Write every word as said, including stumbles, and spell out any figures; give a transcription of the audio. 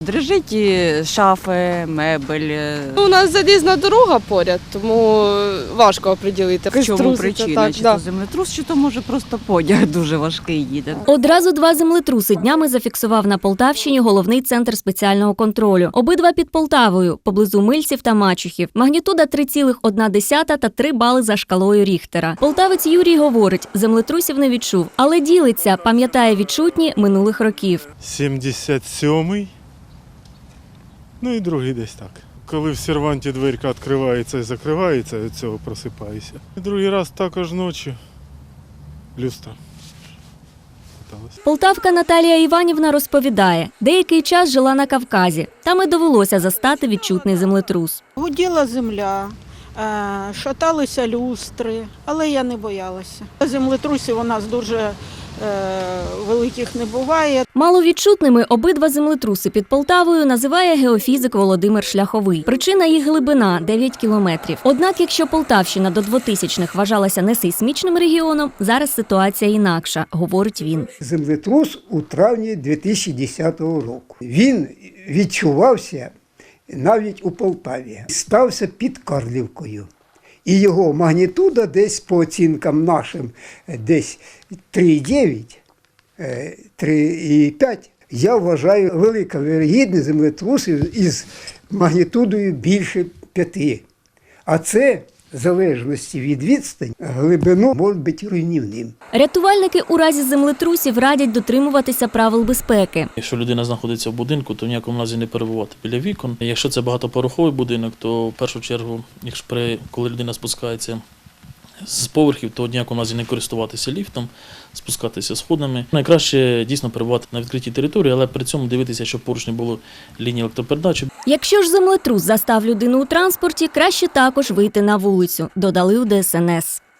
Дрижить і шафи, мебель. У нас залізна дорога поряд, тому важко оприділити. В чому Труситься, причина? так, Чи да. то землетрус, чи то може просто потяг дуже важкий їде. Одразу два землетруси днями зафіксував на Полтавщині головний центр спеціального контролю. Обидва під Полтавою, поблизу Мильців та Мачухів. Магнітуда три цілих одна десята та три бали за шкалою Ріхтера. Полтавець Юрій говорить, землетрусів не відчув, але ділиться, пам'ятає відчутні минулих років. сімдесят сьомий, ну і другий десь так. Коли в серванті дверка відкривається і закривається, від цього просипаюся. І другий раз також ночі люстра. Полтавка Наталія Іванівна розповідає, деякий час жила на Кавказі. Там і довелося застати відчутний землетрус. Гуділа земля, шаталися люстри, але я не боялася. Землетрусів у нас дуже великих не буває. Маловідчутними обидва землетруси під Полтавою називає геофізик Володимир Шляховий. Причина їх глибина – дев'ять кілометрів. Однак, якщо Полтавщина до двотисячних вважалася несейсмічним регіоном, зараз ситуація інакша, говорить він. Землетрус у травні дві тисячі десятого року. Він відчувався навіть у Полтаві. Стався під Карлівкою. І його магнітуда десь, по оцінкам нашим, десь три цілих дев'ять, три цілих п'ять. Я вважаю, велика вірогідність землетрусів із магнітудою більше п'яти. А це, в залежності від відстані, глибину може бути руйнівним. Рятувальники у разі землетрусів радять дотримуватися правил безпеки. Якщо людина знаходиться в будинку, то в ніякому разі не перебувати біля вікон. Якщо це багатоповерховий будинок, то в першу чергу, якщо при, коли людина спускається з поверхів, то в ніякому разі не користуватися ліфтом, спускатися сходами. Найкраще дійсно перебувати на відкритій території, але при цьому дивитися, щоб поруч не було лінії електропередачі. Якщо ж землетрус застав людину у транспорті, краще також вийти на вулицю, додали у Де Ес Ен Ес.